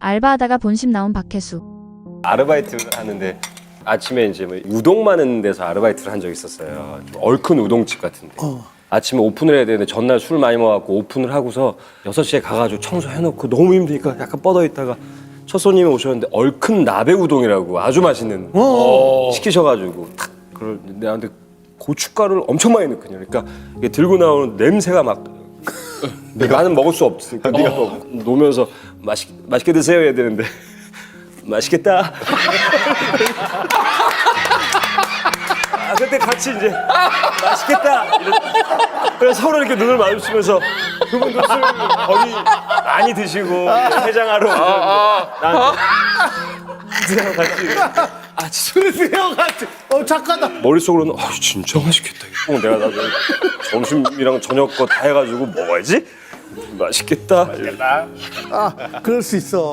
알바하다가 본심 나온 박혜수. 아르바이트를 하는데 아침에 이제 뭐 우동 많은 데서 아르바이트를 한 적이 있었어요. 좀 얼큰 우동집 같은데. 아침에 오픈을 해야 되는데 전날 술 많이 먹어갖고 오픈을 하고서 6시에 가가지고 청소해놓고 너무 힘드니까 약간 뻗어있다가 첫 손님이 오셨는데 얼큰 나베 우동이라고 아주 맛있는 시키셔가지고 탁 그걸 내한테 고춧가루를 엄청 많이 넣거든요. 그러니까 이게 들고 나오는 냄새가 막 나는 먹을 수 없으니까 네가 놓으면서 맛있게 드세요 해야 되는데 맛있겠다. 그때 같이 이제 맛있겠다. 그래서 서로 이렇게 눈을 마주치면서 그분도 술 거의 많이 드시고 해장하러 나한테 그냥 같이 술이랑 같이. 착하다. 머릿속으로는 진짜 맛있겠다. 꼭 내가 나중에 점심이랑 저녁 거 다 해가지고 먹어야지. 맛있겠다. 그럴 수 있어.